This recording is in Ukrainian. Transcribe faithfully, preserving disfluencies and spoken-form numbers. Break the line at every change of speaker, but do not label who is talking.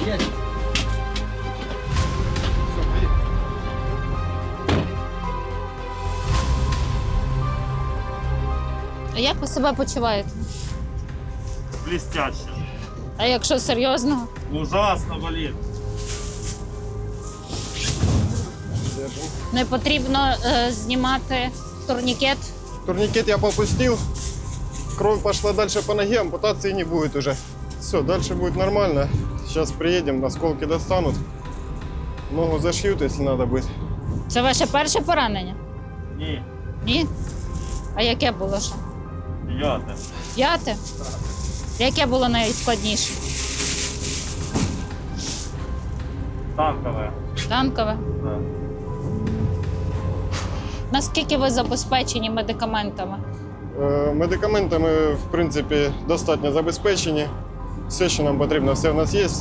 Є.
А як ви себе почуваєте?
Блестяще.
А якщо серйозно?
Ужасно болит.
Не потрібно е, знімати турнікет.
Турникет я попустил. Кровь пошла дальше по ноге, ампутации не будет уже. Все, дальше будет нормально. Сейчас приедем, осколки достанут. Ногу зашьют, если надо будет.
Це ваше перше поранення?
Ні,
Ні? А яке було ще?
п'яте.
П'яте? Яке було найскладніше?
Танкове.
Танкове?
Да.
Наскільки ви забезпечені медикаментами?
Е, Медикаментами, в принципі, достатньо забезпечені. Все, що нам потрібно, все в нас є.